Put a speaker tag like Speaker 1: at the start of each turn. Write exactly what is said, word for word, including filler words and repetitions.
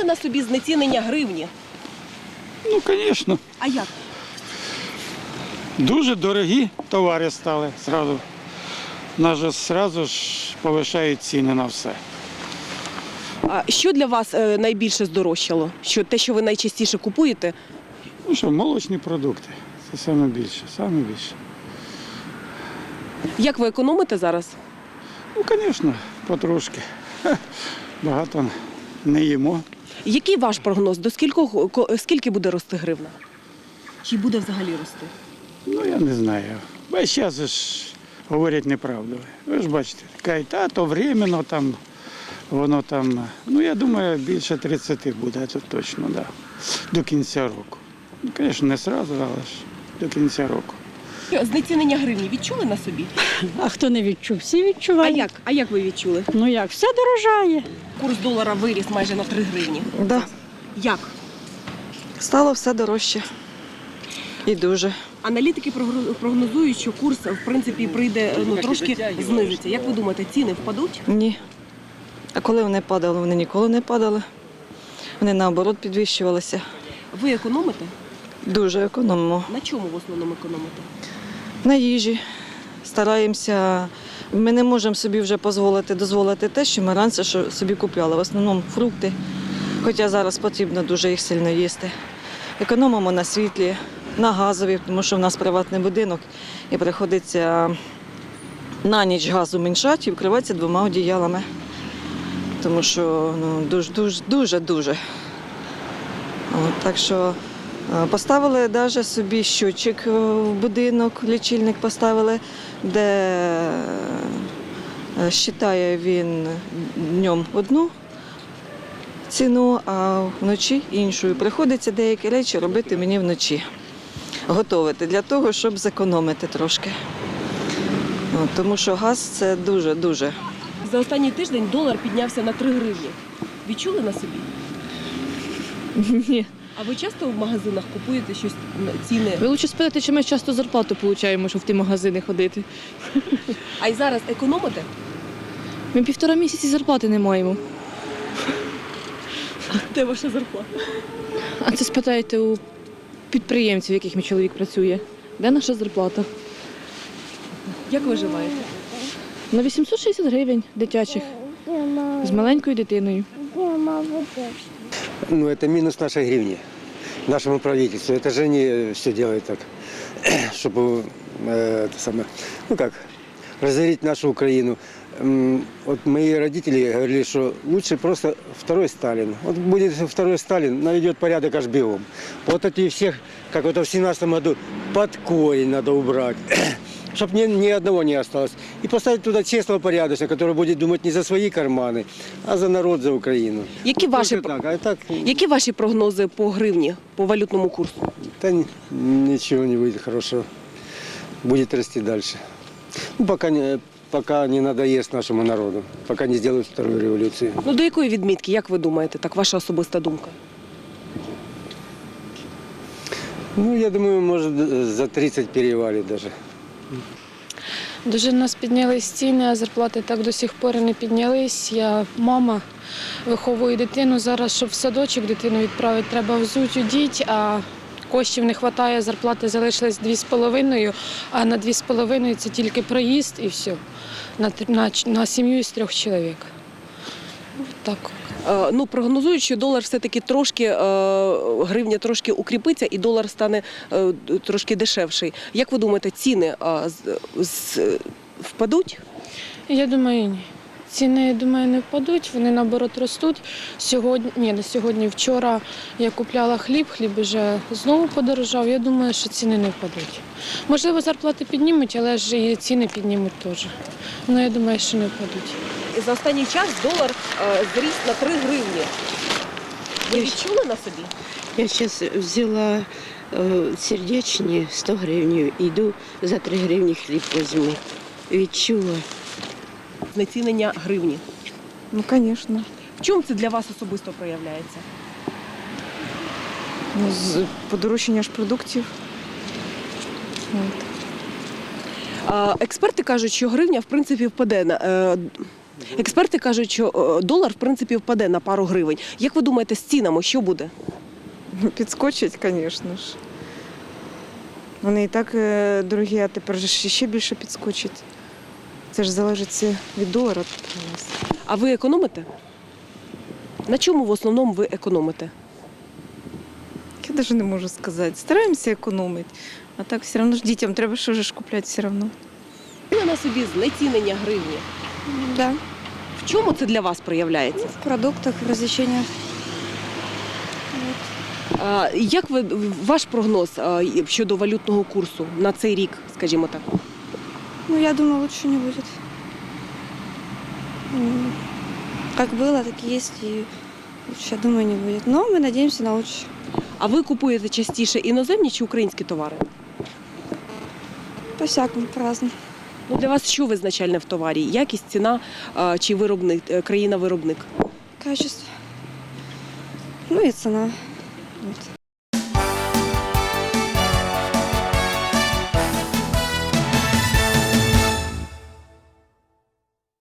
Speaker 1: на собі знецінення гривні?
Speaker 2: Ну, звісно.
Speaker 1: А як?
Speaker 2: Дуже дорогі товари стали зразу. Нас же зразу ж повишають ціни на все.
Speaker 1: А що для вас е, найбільше здорожчало? Що, те, що ви найчастіше купуєте?
Speaker 2: Ну що, молочні продукти. Це найбільше, найбільше.
Speaker 1: Як ви економите зараз?
Speaker 2: Ну, звісно, потрошки. Багато не їмо.
Speaker 1: Який ваш прогноз? До скількох, ко- скільки буде рости гривна? Чи буде взагалі рости?
Speaker 2: Ну, я не знаю. Весь час же ж говорять неправду. Ви ж бачите, кажуть, а то временно там, воно там. Ну, я думаю, більше тридцяти буде, це точно, да. До кінця року. Ну, звісно, не одразу, але ж до кінця року.
Speaker 1: Що, знецінення гривні відчули на собі?
Speaker 3: А хто не відчув? Всі
Speaker 1: А
Speaker 3: відчувають.
Speaker 1: як? А як ви відчули?
Speaker 3: Ну як, все дорожає.
Speaker 1: Курс долара виріс майже на три гривні.
Speaker 4: Да,
Speaker 1: Як?
Speaker 4: стало все дорожче. І дуже.
Speaker 1: Аналітики прогро- прогнозують, що курс, в принципі, прийде, ну, трошки знизиться. Як ви думаєте, ціни впадуть?
Speaker 4: Ні. А коли вони падали? Вони ніколи не падали. Вони наоборот підвищувалися.
Speaker 1: Ви економите?
Speaker 4: Дуже економимо.
Speaker 1: На чому в основному економите?
Speaker 4: На їжі. Стараємося. Ми не можемо собі вже дозволити, дозволити те, що ми раніше що собі купляли. В основному фрукти. Хоча зараз потрібно дуже їх сильно їсти. Економимо на світлі, на газові, тому що в нас приватний будинок і приходиться на ніч газу меншати і вкриватися двома одіялами. Тому що ну, дуже, дуже, дуже, дуже. От, так що е, поставили навіть собі щотчик е, в будинок, лічильник поставили, де е, считає він днем одну ціну, а вночі іншу. І приходиться деякі речі робити мені вночі. Готовити для того, щоб зекономити трошки. От, тому що газ – це дуже-дуже.
Speaker 1: За останній тиждень долар піднявся на три гривні. Відчули на собі?
Speaker 3: Ні.
Speaker 1: А ви часто в магазинах купуєте щось, ціни?
Speaker 3: Ви лучше спитати, чи ми часто зарплату отримуємо, щоб в ті магазини ходити.
Speaker 1: А й зараз економите?
Speaker 3: Ми півтора місяці зарплати не маємо.
Speaker 1: Де ваша зарплата?
Speaker 3: А це спитайте у підприємців, яких мій чоловік працює. Де наша зарплата?
Speaker 1: Як виживаєте?
Speaker 3: На вісімсот шістдесят гривень дитячих. З маленькою дитиною.
Speaker 5: Ну, это минус нашей гривни, нашему правительству. Это же они все делают так, чтобы, э, это самое, ну как, разорить нашу Украину. М, Вот мои родители говорили, что лучше просто второй Сталин. Вот будет второй Сталин, наведет порядок аж бегом. Вот эти всех, как это в семнадцатом году, под корень надо убрать. Чтобы ни, ни одного не осталось. И поставить туда честного порядочного, который будет думать не за свои карманы, а за народ, за Украину.
Speaker 1: Які
Speaker 5: Вот
Speaker 1: ваші,
Speaker 5: только так. А так,
Speaker 1: які ваші прогнози по гривні, по валютному курсу?
Speaker 5: да ни- ничего не будет хорошего. Будет расти дальше. Ну, пока не, пока не надоест нашему народу, пока не сделают вторую революцию.
Speaker 1: Ну до якої відмітки, як ви думаєте, так ваша особиста думка?
Speaker 5: Ну, я думаю, может, за тридцать перевалит даже.
Speaker 6: Дуже в нас піднялись ціни, а зарплати так до сих пор і не піднялись. Я мама, виховую дитину. Зараз, щоб в садочок дитину відправити, треба взуть, одіть, а коштів не вистачає, зарплати залишились дві з половиною, а на дві з половиною це тільки проїзд і все. На, тр- на, ч- на сім'ю з трьох чоловік. Так.
Speaker 1: Е, ну, прогнозують, що долар все-таки трошки, е, гривня трошки укріпиться і долар стане е, трошки дешевший. Як ви думаєте, ціни е, з, з, впадуть?
Speaker 6: Я думаю, ні. Ціни, я думаю, не впадуть, вони наоборот ростуть. Сьогодні, ні, не сьогодні, вчора я купляла хліб, хліб вже знову подорожав. Я думаю, що ціни не впадуть. Можливо, зарплати піднімуть, але ж і ціни піднімуть теж. Ну, я думаю, що не впадуть.
Speaker 1: За останній час долар е, зріс на три гривні. Ви відчули на собі?
Speaker 7: Я сейчас взяла э, сердечні сто гривень, йду за три гривні хліб візьму. Відчула.
Speaker 1: Знецінення гривні.
Speaker 4: Ну, звісно.
Speaker 1: В чому це для вас особисто проявляється?
Speaker 4: Ну, з подорожчання ж продуктів. От.
Speaker 1: Е, експерти кажуть, що гривня в принципі впаде. на- Е, Експерти кажуть, що е, долар в принципі впаде на пару гривень. Як ви думаєте, з цінами що буде?
Speaker 8: Ну, підскочить, звісно ж. Вони і так е, дорогі, а тепер же ще більше підскочить. Це ж залежить все від долара тут у нас.
Speaker 1: А ви економите? На чому в основному ви економите?
Speaker 8: Я навіть не можу сказати. Стараємося економити, а так все одно ж дітям треба що ж купляти все одно.
Speaker 1: На собі знецінення гривні.
Speaker 9: Да,
Speaker 1: В чому це для вас проявляється?
Speaker 9: в продуктах, в развлечениях.
Speaker 1: А, як ви ваш прогноз а, щодо валютного курсу на цей рік, скажімо так?
Speaker 9: Ну, я думаю, лучше не будет. М, Как было, так и есть, и лучше, я думаю, не будет. Но мы надеемся на лучшее.
Speaker 1: А ви купуєте частіше іноземні чи українські товари?
Speaker 9: По-всякому, по-разному.
Speaker 1: Ну, для вас що визначальне в товарі? Якість, ціна а, чи виробник, е, країна-виробник?
Speaker 9: Качество. Ну и цена. Вот.